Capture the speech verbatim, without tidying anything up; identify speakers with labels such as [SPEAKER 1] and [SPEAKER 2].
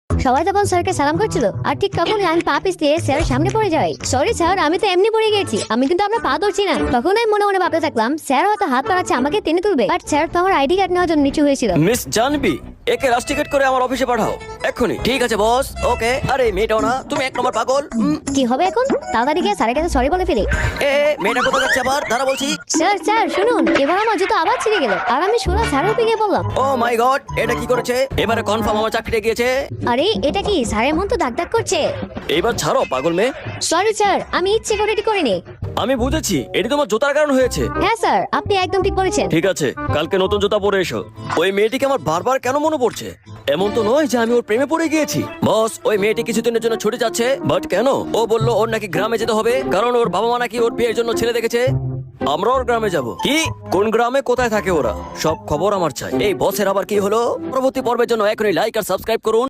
[SPEAKER 1] সবাই তখন স্যারকে সালাম করছিল, আর ঠিক তখনই আমি পা পিছলিয়ে স্যারের সামনে পড়ে যাই। সরি স্যার, আমি তো এমনি পড়ে গেছি, আমি কিন্তু আপনার পা ধরছি না। তখন আমি মনে মনে ভাবতে থাকলাম স্যার হয়তো হাত বাড়াচ্ছে আমাকে টেনে তুলবে, বাট স্যার তো আমার আইডি কার্ড নেওয়ার জন্য নিচু হয়েছিল।
[SPEAKER 2] মিস জানবি, একে রাশ টিকেট করে আমার অফিসে পাঠাও এক্ষুনি। ঠিক আছে বস, ওকে। আরে মেয়েটাও না, তুমি এক নম্বর পাগল। উম,
[SPEAKER 1] কি হবে এখন? তাড়াতাড়ি গিয়ে স্যারের কাছে সরি বলে ফেলি।
[SPEAKER 2] এ মেয়েটা কোথায় যাচ্ছে আবার? দাঁড়া বলছি।
[SPEAKER 1] স্যার স্যার শুনুন, এবার আমার জুতো আবার ছিঁড়ে গেল, আর আমি সোজা স্যারের উপরে গিয়ে বললাম,
[SPEAKER 2] ও মাই গড, এটা কি করেছে? এবারে কনফার্ম আমার চাকরিটা গিয়েছে।
[SPEAKER 1] আরে এটা কি? স্যারের মন তো দাগ দাগ করছে।
[SPEAKER 2] এইবার ছাড়ো পাগল মেয়ে।
[SPEAKER 1] সরি স্যার, আমি ইচ্ছে করে এটি করিনি।
[SPEAKER 2] আমি বুঝেছি, এটি তোমার জুতার কারণ হয়েছে।
[SPEAKER 1] হ্যাঁ স্যার, আপনি একদম ঠিক বলেছেন।
[SPEAKER 2] ঠিক আছে, কালকে নতুন জুতা পরে এসো। ওই মেয়েটিকে আমার বারবার কেন মনে পড়ছে? এমন তো নয় যে আমি ওর প্রেমে পড়ে গিয়েছি। বস, ওই মেয়েটি কিছুদিনের জন্য ছুটে যাচ্ছে, বাট কেন? ও বললো ওর নাকি গ্রামে যেতে হবে, কারণ ওর বাবা মা নাকি ওর বিয়ের জন্য ছেলে দেখেছে। আমরা ওর গ্রামে যাব। কি? কোন গ্রামে, কোথায় থাকে ওরা? সব খবর আমার চাই। এই বসের আবার কি হলো? পরবর্তী পর্বের জন্য এখনই লাইক আর সাবস্ক্রাইব করুন।